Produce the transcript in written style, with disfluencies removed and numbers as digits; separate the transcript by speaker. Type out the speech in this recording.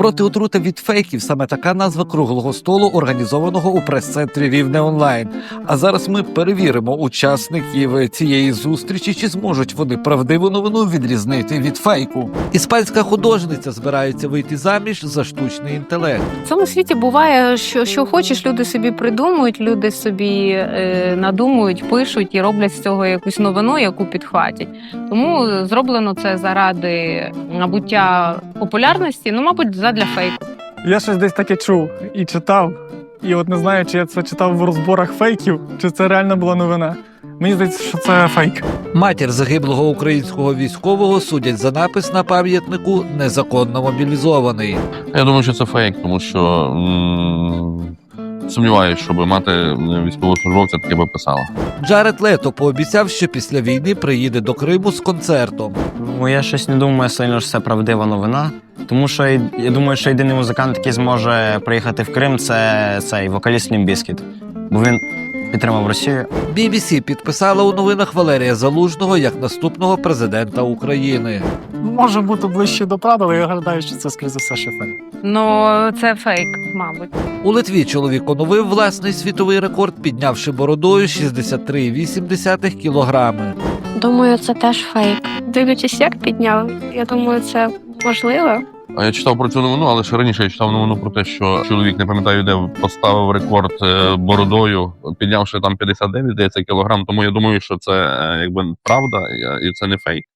Speaker 1: Проти отрути від фейків – саме така назва круглого столу, організованого у прес-центрі Рівне онлайн. А зараз ми перевіримо учасників цієї зустрічі, чи зможуть вони правдиву новину відрізнити від фейку. Іспанська художниця збирається вийти заміж за штучний інтелект.
Speaker 2: В цьому світі буває, що хочеш, люди собі придумують, люди собі надумують, пишуть і роблять з цього якусь новину, яку підхватять. Тому зроблено це заради набуття популярності, мабуть, задля фейку.
Speaker 3: Я щось десь таке чув і читав. І от не знаю, чи я це читав в розборах фейків, чи це реально була новина. Мені здається, що це фейк.
Speaker 1: Матір загиблого українського військового судять за напис на пам'ятнику «Незаконно мобілізований».
Speaker 4: Я думаю, що це фейк, тому що сумніваюся, щоб мати військовослужбовця таке би писала.
Speaker 1: Джаред Лето пообіцяв, що після війни приїде до Криму з концертом.
Speaker 5: Я щось не думаю сильно, що це правдива новина. Тому що я думаю, що єдиний музикант, який зможе приїхати в Крим, це цей вокаліст Лімп Бізкіт. Бо він підтримав Росію.
Speaker 1: BBC підписала у новинах Валерія Залужного як наступного президента України.
Speaker 3: Може бути ближче до правди, але я гадаю, що це, скоріше за все, ще фейк.
Speaker 2: Це фейк, мабуть.
Speaker 1: У Литві чоловік оновив власний світовий рекорд, піднявши бородою 63,8 кілограми.
Speaker 6: Думаю, це теж фейк. Дивлячись, як підняв, я думаю, це можливо.
Speaker 4: А я читав про цю новину, але ще раніше я читав новину про те, що чоловік, не пам'ятаю де, поставив рекорд бородою, піднявши там 59, здається, кілограм. Тому я думаю, що це якби правда і це не фейк.